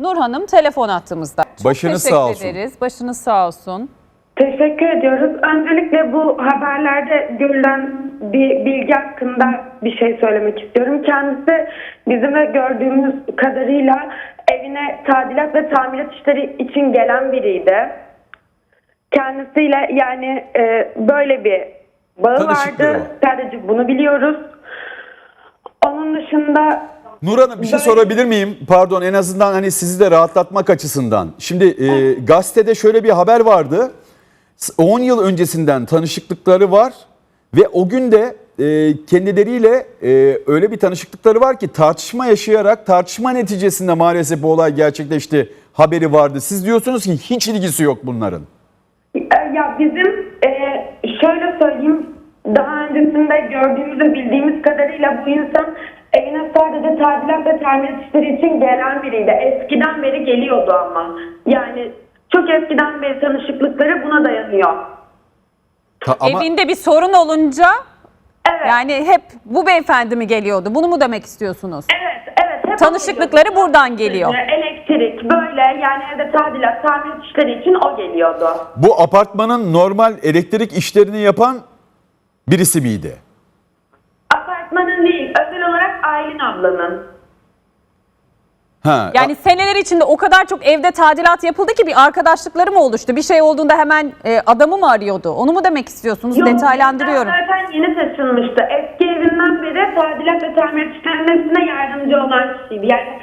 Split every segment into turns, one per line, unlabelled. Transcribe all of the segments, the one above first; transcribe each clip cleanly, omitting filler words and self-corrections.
Nur Hanım telefon attığımızda. Çok
Başınız
teşekkür
sağ olsun.
ederiz. Başınız sağ olsun.
Teşekkür ediyoruz. Öncelikle bu haberlerde görülen bir bilgi hakkında bir şey söylemek istiyorum. Kendisi bizim de gördüğümüz kadarıyla evine tadilat ve tamirat işleri için gelen biriydi. Kendisiyle yani böyle bir bağı
Tanışıklığı
vardı.
var.
Sadece bunu biliyoruz. Onun dışında...
Nur Hanım bir şey sorabilir miyim? Pardon, en azından hani sizi de rahatlatmak açısından. Şimdi gazetede şöyle bir haber vardı. 10 yıl öncesinden tanışıklıkları var ve o gün de kendileriyle öyle bir tanışıklıkları var ki tartışma yaşayarak tartışma neticesinde maalesef bu olay gerçekleşti haberi vardı. Siz diyorsunuz ki hiç ilgisi yok bunların.
Ya bizim şöyle söyleyeyim, daha öncesinde gördüğümüz ve bildiğimiz kadarıyla bu insan evine sadece tadilat ve tamirat işleri için gelen biriydi. Eskiden beri geliyordu ama. Yani çok eskiden beri tanışıklıkları buna dayanıyor.
Ama
Evinde bir sorun olunca
Evet.
yani hep bu beyefendi mi geliyordu? Bunu mu demek istiyorsunuz?
Evet. Hep
Tanışıklıkları
o geliyordu.
buradan geliyor.
Elektrik böyle yani evde tadilat, tamirat işleri için o geliyordu.
bu apartmanın normal elektrik işlerini yapan birisi miydi?
Apartmanın değil, özel olarak Aylin ablanın.
Ha,
Yani seneler içinde o kadar çok evde tadilat yapıldı ki bir arkadaşlıkları mı oluştu? Bir şey olduğunda hemen adamı mı arıyordu? Onu mu demek istiyorsunuz?
Yok,
Detaylandırıyorum.
Zaten yeni taşınmıştı. Eski evinden beri tadilat ve tamirat işlerinin hepsine yardımcı olan kişiydi. Yani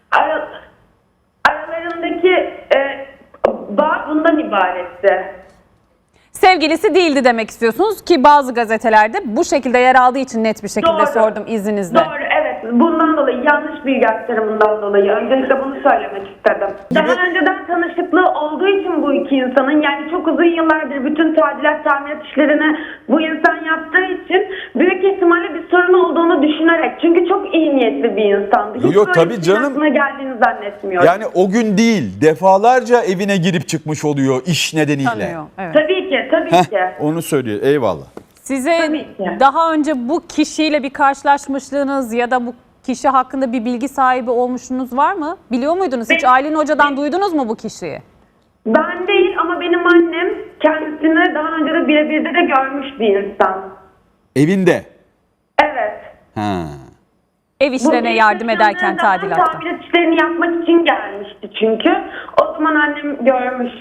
aralarındaki bağ bundan ibaretti.
Sevgilisi değildi demek istiyorsunuz ki bazı gazetelerde bu şekilde yer aldığı için net bir şekilde
Doğru.
sordum izninizle.
Doğru, evet. Bundan dolayı, yanlış bilgi aktarımından dolayı öncelikle bunu söylemek istedim. Daha önceden tanışıklığı olduğu için bu iki insanın, yani çok uzun yıllardır bütün tadilat, tamirat işlerini bu insan yaptığı için büyük ihtimalle bir sorun olduğunu düşünerek, çünkü çok iyi niyetli bir insandı. Hiç
Yok,
böyle
tabii
bir şeyin
canım.
aklına geldiğini zannetmiyorum.
yani o gün değil, defalarca evine girip çıkmış oluyor iş nedeniyle.
Tanıyor. Evet.
Tabii ki, tabii ki.
Onu söylüyor. Eyvallah.
Size
Tabii ki.
daha önce bu kişiyle bir karşılaşmışlığınız ya da bu kişi hakkında bir bilgi sahibi olmuşluğunuz var mı? Biliyor muydunuz? Hiç Aylin Hoca'dan duydunuz mu bu kişiyi?
Ben değil ama benim annem kendisini daha önce de birebir de görmüş bir insan.
Evinde.
Evet.
Ha.
Ev işlerine
Bu
yardım
ilk
ederken
zaten
tadilatta.
tamirat işlerini yapmak için gelmişti çünkü. O zaman annem görmüş.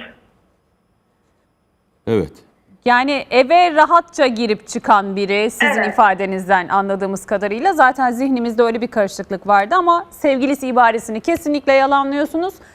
Evet.
Yani eve rahatça girip çıkan biri sizin
Evet.
ifadenizden anladığımız kadarıyla zaten zihnimizde öyle bir karışıklık vardı ama sevgilisi ibaresini kesinlikle yalanlıyorsunuz.